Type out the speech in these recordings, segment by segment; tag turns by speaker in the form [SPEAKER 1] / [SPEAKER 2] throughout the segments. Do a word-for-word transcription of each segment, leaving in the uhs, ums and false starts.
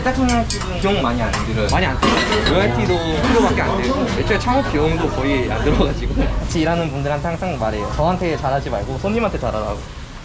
[SPEAKER 1] 내타 청량집은 비용 많이 안 들어요. 많이 안 들어요. 로열티도 십 퍼센트밖에 안 되고 애초에 창업 비용도 거의 안 들어가지고 같이 일하는 분들한테 항상 말해요. 저한테 잘하지 말고 손님한테 잘하라고.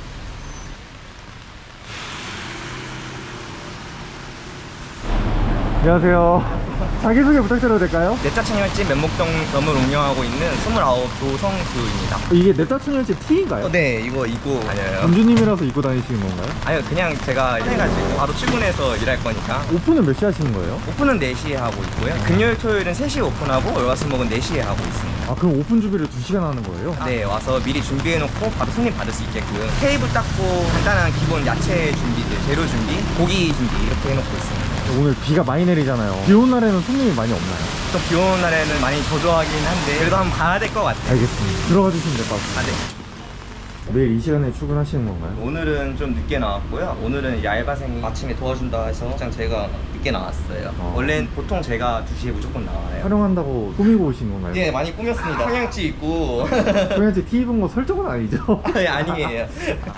[SPEAKER 2] 안녕하세요. 자기소개 부탁드려도 될까요?
[SPEAKER 1] 내타 청량집 면목동 점을 운영하고 있는 스물아홉 조성수입니다.
[SPEAKER 2] 이게 내타 청량집 티인가요?
[SPEAKER 1] 어, 네, 이거 입고 다녀요.
[SPEAKER 2] 점주님이라서 입고 다니시는 건가요?
[SPEAKER 1] 아니요, 그냥 제가 해가지고 바로 출근해서 일할 거니까.
[SPEAKER 2] 오픈은 몇 시에 하시는 거예요?
[SPEAKER 1] 오픈은 네 시에 하고 있고요. 금요일, 토요일은 세 시에 오픈하고 월화수목은 네 시에 하고 있습니다.
[SPEAKER 2] 아, 그럼 오픈 준비를 두 시간 하는 거예요?
[SPEAKER 1] 네, 와서 미리 준비해놓고 바로 손님 받을 수 있게끔 테이블 닦고 간단한 기본 야채 준비들, 재료 준비, 고기 준비 이렇게 해놓고 있습니다.
[SPEAKER 2] 오늘 비가 많이 내리잖아요. 비 오는 날에는 손님이 많이 없나요?
[SPEAKER 1] 또 비 오는 날에는 많이 저조하긴 한데 그래도 한번 봐야 될 것 같아요.
[SPEAKER 2] 알겠습니다. 들어가 주시면 될 것 같습니다.
[SPEAKER 1] 아, 네.
[SPEAKER 2] 매일 이 시간에 출근하시는 건가요?
[SPEAKER 1] 오늘은 좀 늦게 나왔고요. 오늘은 이 알바생이 아침에 도와준다 해서 직장 제가 늦게 나왔어요.
[SPEAKER 2] 어.
[SPEAKER 1] 원래는 보통 제가 두 시에 무조건 나와요.
[SPEAKER 2] 촬영한다고 꾸미고 오신 건가요?
[SPEAKER 1] 네, 많이 꾸몄습니다. 성향지 있고.
[SPEAKER 2] 그냥 티 입은 거 설정은 아니죠?
[SPEAKER 1] 네, 아니에요.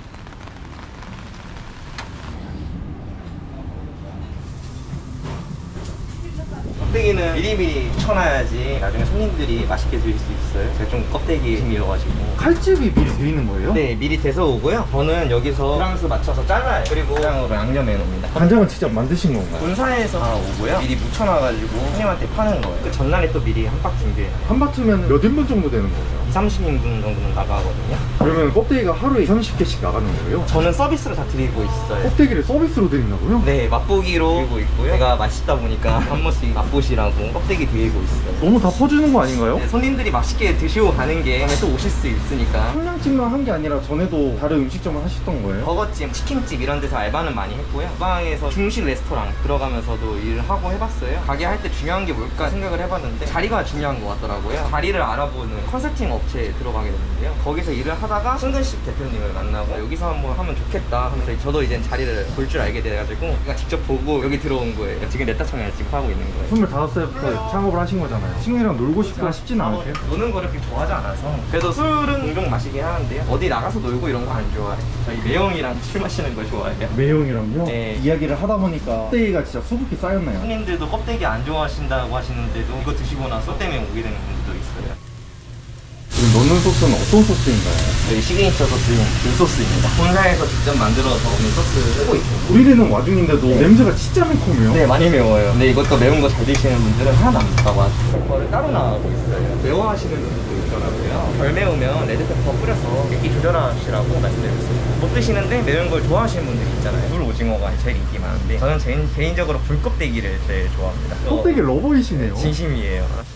[SPEAKER 1] 껍데기는 미리미리 쳐놔야지 나중에 손님들이 맛있게 드실 수 있어요. 제가 좀 껍데기 힘이어가지고.
[SPEAKER 2] 칼집이 미리 돼 있는 거예요?
[SPEAKER 1] 네, 미리 데서 오고요. 저는 여기서 프랑스 맞춰서 잘라요. 그리고 간장으로 양념해 놓습니다.
[SPEAKER 2] 간장은 직접 만드신 건가요?
[SPEAKER 1] 본사에서 다 오고요. 미리 묻혀놔가지고 손님한테 파는 거예요. 그 전날에 또 미리 한 박 준비해요.
[SPEAKER 2] 한 바트면 몇 인분 정도 되는 거예요?
[SPEAKER 1] 이삼십 인분 정도는 나가거든요.
[SPEAKER 2] 그러면 껍데기가 하루에 이삼십 개씩 나가는 거예요?
[SPEAKER 1] 저는 서비스로 다 드리고 있어요.
[SPEAKER 2] 껍데기를 서비스로 드린다고요?
[SPEAKER 1] 네, 맛보기로 드리고 있고요. 제가 맛있다 보니까 한 번씩 맛보시라고 껍데기 드리고 있어요.
[SPEAKER 2] 너무 다 퍼주는 거 아닌가요?
[SPEAKER 1] 네, 손님들이 맛있게 드시고 가는 게 다음에 또 오실 수 있으니까.
[SPEAKER 2] 청량집만 한 게 아니라 전에도 다른 음식점을 하셨던 거예요?
[SPEAKER 1] 버거집, 치킨집 이런 데서 알바는 많이 했고요. 주방에서 중식 레스토랑 들어가면서도 일을 하고 해봤어요. 가게 할 때 중요한 게 뭘까 생각을 해봤는데 자리가 중요한 것 같더라고요. 자리를 알아보는 컨설팅 업체에 들어가게 됐는데요. 거기서 일을 하다가 승근식 대표님을 만나고 여기서 한번 하면 좋겠다 하면서 저도 이제 자리를 볼 줄 알게 돼가지고 그냥 직접 보고 여기 들어온 거예요. 지금 내타 청량집 하고 있는 거예요.
[SPEAKER 2] 스물다섯 살부터 창업을 하신 거잖아요. 친구들이랑 놀고 싶고 싶진 않으세요?
[SPEAKER 1] 노는 거를 그렇게 좋아하지 않아서. 그래도 술은 종종 마시긴 하는데요. 어디 나가서 놀고 이런 거 안 좋아해요. 저희 매형이랑 술 마시는 거 좋아해요.
[SPEAKER 2] 매형이랑요?
[SPEAKER 1] 네.
[SPEAKER 2] 이야기를 하다 보니까 껍데기가 진짜 수북히 쌓였나요?
[SPEAKER 1] 손님들도 껍데기 안 좋아하신다고 하시는데도 이거 드시고 나서 때문에 오게 되는 분들도 있어요.
[SPEAKER 2] 지금 넣는 소스는 어떤 소스인가요?
[SPEAKER 1] 저희 시그니처 소스는 굴소스입니다. 본사에서 직접 만들어서 오늘 소스 쓰고 있어요.
[SPEAKER 2] 우리되는 와중인데도 냄새가 진짜 매콤해요.
[SPEAKER 1] 네, 많이 매워요. 근데 이것도 매운 거 잘 드시는 분들은 하나도 안 맵다고 하죠. 페퍼를 따로 나가고 있어요. 매워하시는 분들도 있더라고요. 덜 매우면 레드페퍼 뿌려서 맵기 조절하시라고 말씀드렸어요. 못 드시는데 매운 걸 좋아하시는 분들이 있잖아요. 물 오징어가 제일 인기 많은데 저는 제, 개인적으로 불껍데기를 제일 좋아합니다.
[SPEAKER 2] 껍데기 러버이시네요.
[SPEAKER 1] 진심이에요.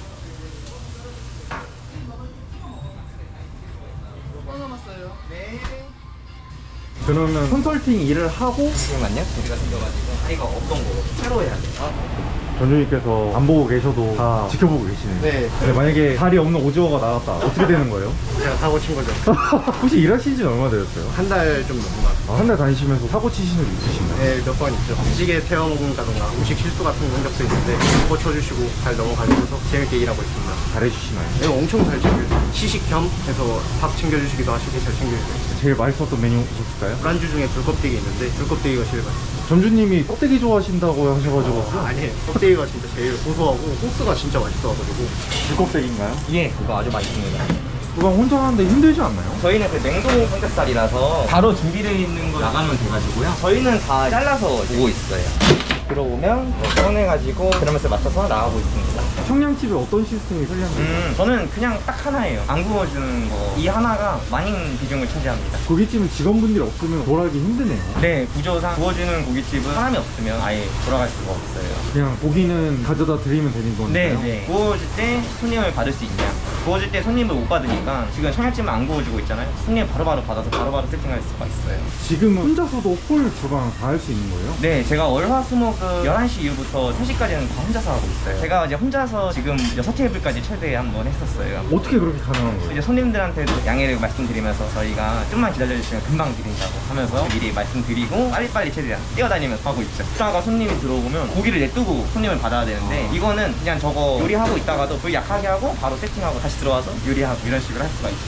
[SPEAKER 2] 그러면 컨설팅 일을 하고
[SPEAKER 1] 잠시만요. 우리가 생겨가지고 아이가 없던 거 새로 해야 돼요.
[SPEAKER 2] 전주님께서 안 보고 계셔도 다 지켜보고 계시네요.
[SPEAKER 3] 네.
[SPEAKER 2] 근데 만약에 다리 없는 오징어가 나왔다. 어떻게 되는 거예요?
[SPEAKER 3] 제가 사고 친 거죠.
[SPEAKER 2] 혹시 일하신 지는 얼마 되셨어요?
[SPEAKER 3] 한 달 좀 넘은 것 같아요.
[SPEAKER 2] 아, 한 달 다니시면서 사고 치시는 일 있으신가요?
[SPEAKER 3] 네, 몇 번 있죠. 찌개 태워 먹는다던가 음식 실수 같은 흔적도 있는데 그거 쳐주시고 잘 넘어가면서 재밌게 일하고 있습니다.
[SPEAKER 2] 잘해주시나요?
[SPEAKER 3] 네, 엄청 잘 챙겨주세요. 시식 겸 해서 밥 챙겨주시기도 하시고 잘 챙겨주세요.
[SPEAKER 2] 제일 맛있었던 메뉴 있었을까요?
[SPEAKER 3] 브란주 중에 불껍데기 있는데 불껍데기가 제일 맛있어요.
[SPEAKER 2] 점주님이 껍데기 좋아하신다고 하셔가지고
[SPEAKER 3] 아, 아니에요. 껍데기가 진짜 제일 고소하고 소스가 진짜 맛있어가지고.
[SPEAKER 2] 불껍데기인가요?
[SPEAKER 1] 예, 그거 아주 맛있습니다.
[SPEAKER 2] 그거 혼자 하는데 힘들지 않나요?
[SPEAKER 1] 저희는 그 냉동 삼겹살이라서 바로 준비되어 있는 거 나가면 돼가지고요. 저희는 다 잘라서 오고 있어요. 들어오면 꺼내가지고 그러면서 맞춰서 나가고 있습니다.
[SPEAKER 2] 청량집에 어떤 시스템이 편리한가요?
[SPEAKER 1] 음, 저는 그냥 딱 하나예요. 안 구워주는 거. 이 하나가 많은 비중을 차지합니다.
[SPEAKER 2] 고깃집은 직원분들이 없으면 돌아가기 힘드네요.
[SPEAKER 1] 네, 구조상 구워주는 고깃집은 사람이 없으면 아예 돌아갈 수가 없어요.
[SPEAKER 2] 그냥 고기는 가져다 드리면 되는 거니까요?
[SPEAKER 1] 네, 네. 구워줄 때 손님을 받을 수 있냐. 구워줄 때 손님을 못 받으니까 지금 청양집은 안 구워주고 있잖아요. 손님 바로바로 받아서 바로바로 세팅할 수가 있어요.
[SPEAKER 2] 지금은 혼자서도 홀 주방 다 할 수 있는 거예요?
[SPEAKER 1] 네, 제가 월화수목은 열한 시 이후부터 세 시까지는 다 혼자서 하고 있어요. 제가 이제 혼자서 지금 여섯 테이블까지 최대 한번 했었어요.
[SPEAKER 2] 어떻게 그렇게 가능한 거예요?
[SPEAKER 1] 이제 손님들한테도 양해를 말씀드리면서 저희가 좀만 기다려주시면 금방 드린다고 하면서 미리 말씀드리고 빨리빨리 최대한 뛰어다니면서 하고 있죠. 식사가 손님이 들어오면 고기를 냅두고 손님을 받아야 되는데 이거는 그냥 저거 요리하고 있다가도 불 약하게 하고 바로 세팅하고 다시 들어와서 요리하고 이런 식으로 할 수가 있어요.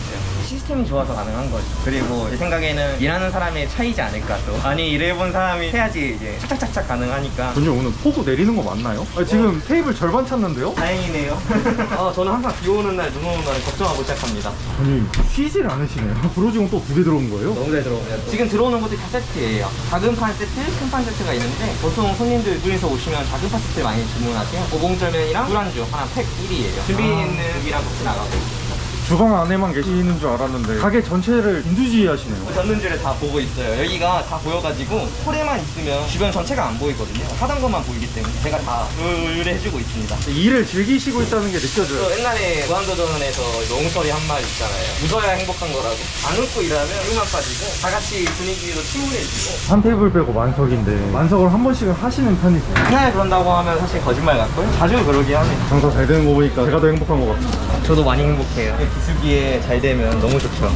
[SPEAKER 1] 시스템이 좋아서 가능한 거죠. 그리고 제 생각에는 일하는 사람의 차이지 않을까 또. 많이 일해본 사람이 해야지 이제 착착착착 가능하니까.
[SPEAKER 2] 분님 오늘 폭우 내리는 거 맞나요? 아니, 지금 테이블 절반 찼는데요?
[SPEAKER 1] 다행이네요. 어, 저는 항상 비 오는 날, 눈 오는 날 걱정하고 시작합니다.
[SPEAKER 2] 아니 쉬질 않으시네요. 브로징어 또 두 개 들어온 거예요?
[SPEAKER 1] 너무 잘 들어오네요. 지금 들어오는 것들이 다 세트예요. 작은 판 세트, 큰 판 세트가 있는데 보통 손님들 둘이서 오시면 작은 판 세트를 많이 주문하세요. 오봉절면이랑 술안주 하나 팩 일이에요. 준비 있는 고기랑 같이 나가고 있어요.
[SPEAKER 2] 주방 안에만 계시는 줄 알았는데 가게 전체를 인두지휘하시네요.
[SPEAKER 1] 젓는지를 다 보고 있어요. 여기가 다 보여가지고 홀에만 있으면 주변 전체가 안 보이거든요. 하던 것만 보이기 때문에 제가 다 의뢰해주고 있습니다.
[SPEAKER 2] 일을 즐기시고 있다는 게
[SPEAKER 1] 저
[SPEAKER 2] 느껴져요.
[SPEAKER 1] 옛날에 무한도전에서 롱설이 한 말 있잖아요. 웃어야 행복한 거라고. 안 웃고 일하면 힘만 빠지고 다 같이 분위기로 침울해지고.
[SPEAKER 2] 한 테이블 빼고 만석인데 만석을 한 번씩은 하시는 편이세요?
[SPEAKER 1] 하나에 그런다고 하면 사실 거짓말 같고요. 자주 그러긴 합니다.
[SPEAKER 2] 장사 잘 되는 거 보니까 제가 더 행복한 것 같습니다.
[SPEAKER 1] 저도 많이 행복해요. 기술기에 잘 되면 너무 좋죠.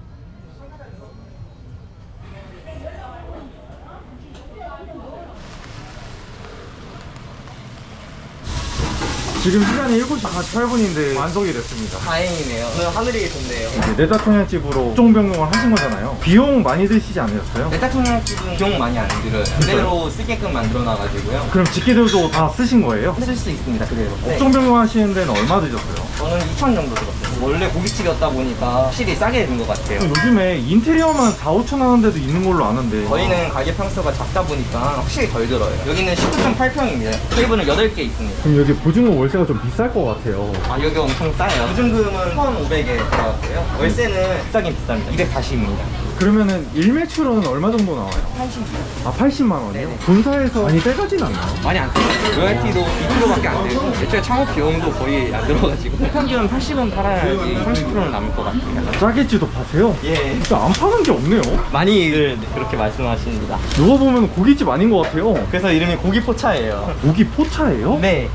[SPEAKER 2] 지금 시간이 일곱 시 사십팔 분인데 만석이 됐습니다.
[SPEAKER 1] 다행이네요. 오늘 하늘이 좋네요.
[SPEAKER 2] 내다통양집으로 업종 변경을 하신 거잖아요. 비용 많이 드시지 않으셨어요?
[SPEAKER 1] 내타통양집은 비용 많이 안 들어요. 그대로 쓰게끔 만들어놔가지고요.
[SPEAKER 2] 그럼 집기들도 다 쓰신 거예요?
[SPEAKER 1] 쓸 수 있습니다, 그대로. 네.
[SPEAKER 2] 업종 변경하시는 데는 얼마 드셨어요?
[SPEAKER 1] 저는 이천 정도 들었어요. 원래 고깃집이었다 보니까 확실히 싸게 된 것 같아요.
[SPEAKER 2] 요즘에 인테리어만 사, 오천 하는 데도 있는 걸로 아는데
[SPEAKER 1] 저희는 가게 평수가 작다 보니까 확실히 덜 들어요. 여기는 십구 점 팔 평입니다. 테이블은 여덟 개 있습니다.
[SPEAKER 2] 그럼 여기 보증금 월세가 좀 비쌀 것 같아요.
[SPEAKER 1] 아, 여기 엄청 싸요. 보증금은 천오백에 들어갔고요. 월세는 비싸긴 비쌉니다. 이백사십입니다.
[SPEAKER 2] 그러면은 일매출은 얼마 정도 나와요?
[SPEAKER 1] 팔십.
[SPEAKER 2] 아 팔십만 원이요?
[SPEAKER 1] 네네.
[SPEAKER 2] 본사에서 많이 떼가진 않나요?
[SPEAKER 1] 많이 안 써요. 로열티도 이 퍼센트밖에 안 되고 애초에 창업 비용도 거의 안 들어가지고 평균 팔십은 팔아야지 삼십 퍼센트는 남을 것 같아요.
[SPEAKER 2] 짜게지도 파세요?
[SPEAKER 1] 예.
[SPEAKER 2] 진짜 안 파는 게 없네요.
[SPEAKER 1] 많이들 그렇게 말씀하십니다.
[SPEAKER 2] 누가 보면 고깃집 아닌 것 같아요.
[SPEAKER 1] 그래서 이름이 고기포차예요.
[SPEAKER 2] 고기 포차예요?
[SPEAKER 1] 네.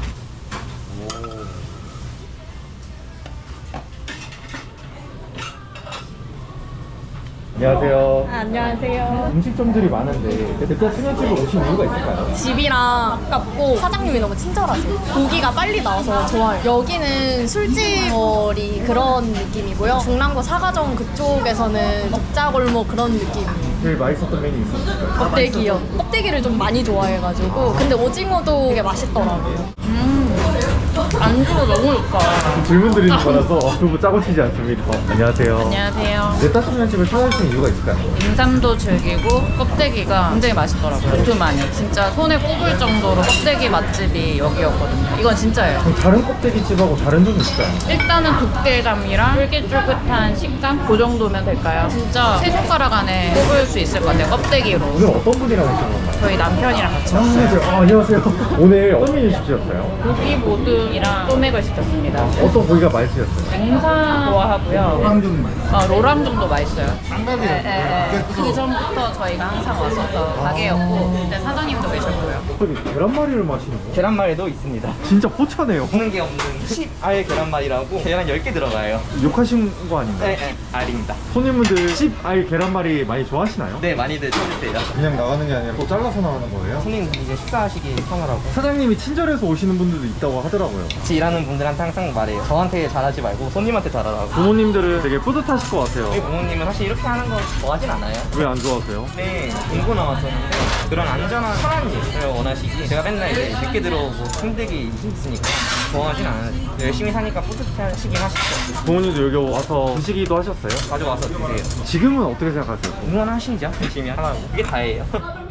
[SPEAKER 2] 안녕하세요.
[SPEAKER 4] 아, 안녕하세요.
[SPEAKER 2] 음식점들이 많은데 대짜 청년집을 오신 이유가 있을까요?
[SPEAKER 4] 집이랑 가깝고 사장님이 너무 친절하세요. 고기가 빨리 나와서 좋아요. 여기는 술집거리 그런 느낌이고요. 중랑구 사가정 그쪽에서는 적자골목 그런 느낌이에요.
[SPEAKER 2] 제일 맛있었던 메뉴 있었을까요?
[SPEAKER 4] 껍데기요. 껍데기를 좀 많이 좋아해가지고. 근데 오징어도 되게 맛있더라고요. 안주가 너무 좋다.
[SPEAKER 2] 질문 드리는 거라서 두부 짜고 치지 않습니다. 안녕하세요.
[SPEAKER 5] 안녕하세요.
[SPEAKER 2] 대짜 청년집을 찾아주신 이유가 있을까요?
[SPEAKER 5] 인삼도 즐기고 껍데기가 굉장히 맛있더라고요. 두툼하니 진짜 손에 꼽을 정도로 껍데기 맛집이 여기였거든요. 이건 진짜예요.
[SPEAKER 2] 그럼 다른 껍데기집하고 다른 점이 있을까요?
[SPEAKER 5] 일단은 두께감이랑 쫄깃쫄깃한 식감 그 정도면 될까요? 진짜 세 손가락 안에 꼽을 수 있을 것 같아요. 껍데기로.
[SPEAKER 2] 오늘 어떤 분이랑 오신 건가요?
[SPEAKER 5] 저희 남편이랑 같이
[SPEAKER 2] 아,
[SPEAKER 5] 왔어요.
[SPEAKER 2] 안녕하세요. 아, 안녕하세요. 오늘 어떤 메뉴 시키셨어요?
[SPEAKER 5] 고기 모듬이랑 소맥을 시켰습니다.
[SPEAKER 2] 어떤 고기가 맛있으셨어요?
[SPEAKER 5] 냉삼 좋아하고요.
[SPEAKER 2] 랑중 맛.
[SPEAKER 5] 어, 로랑정도 맛있어요.
[SPEAKER 2] 쌍갑이요.
[SPEAKER 5] 네, 네, 네. 그 전부터 저희가 항상 왔었던 가게였고 그때 사장님도 계셨고요.
[SPEAKER 2] 저기 계란말이를 마시는 거?
[SPEAKER 1] 계란말이도 있습니다.
[SPEAKER 2] 진짜 포차네요.
[SPEAKER 1] 없는 게 없는 십 알 계란말이라고 계란 열 개 들어가요.
[SPEAKER 2] 욕하신 거 아닌가요?
[SPEAKER 1] 네, 네. 알입니다.
[SPEAKER 2] 손님분들 십 알 계란말이 많이 좋아하시나요?
[SPEAKER 1] 네, 많이들 찾으세요.
[SPEAKER 2] 그냥 나가는 게 아니라 또 잘라서 나가는 거예요?
[SPEAKER 1] 손님 이제 식사하시기 편하라고.
[SPEAKER 2] 사장님이 친절해서 오시는 분들도 있다고 하더라고요.
[SPEAKER 1] 같이 일하는 분들한테 항상 말해요. 저한테 잘하지 말고 손님한테 잘하라고.
[SPEAKER 2] 부모님들은 되게 뿌듯하실 것 같아요.
[SPEAKER 1] 저희 부모님은 사실 이렇게 하는 거 좋아하진 않아요.
[SPEAKER 2] 왜 안 좋아하세요?
[SPEAKER 1] 네, 공고 나왔었는데 그런 안전한 편한 일을 원하시기 제가 맨날 이제 늦게 들어오고 힘들게 있으니까 좋아하진 않아요. 열심히 사니까 뿌듯하시긴 하시죠.
[SPEAKER 2] 부모님도 여기 와서 드시기도 하셨어요?
[SPEAKER 1] 가져와서 드세요.
[SPEAKER 2] 지금은 어떻게 생각하세요?
[SPEAKER 1] 응원하시죠. 열심히 하라고. 그게 다예요.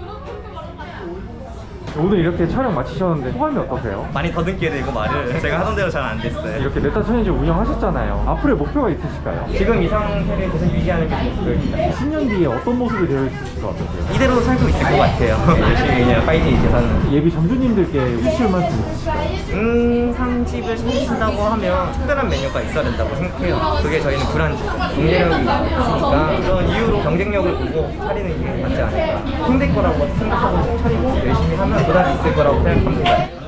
[SPEAKER 2] 오늘 이렇게 촬영 마치셨는데 소감이 어떠세요?
[SPEAKER 1] 많이 더듬게 되고 말을 제가 하던 대로 잘 안 됐어요.
[SPEAKER 2] 이렇게 내타 천연집 운영하셨잖아요. 앞으로의 목표가 있으실까요?
[SPEAKER 1] 지금 이 상태를 계속 유지하는 게 목표입니다.
[SPEAKER 2] 십 년 뒤에 어떤 모습이 되어 있을 것 같으세요?
[SPEAKER 1] 이대로 살고 있을 것 같아요. 열심히 그냥 파이팅 이제 사는.
[SPEAKER 2] 예비 점주님들께 해주실 말씀 있으실까요?
[SPEAKER 1] 음상집을 차리신다고 하면 특별한 메뉴가 있어야 된다고 생각해요. 그게 저희는 불안주, 경쟁력이 있으니까 그런 이유로 경쟁력을 보고 차리는 게 맞지 않을까. 힘들 거라고 생각하고 차리고 열심히 하면 보답이 있을 거라고 생각합니다.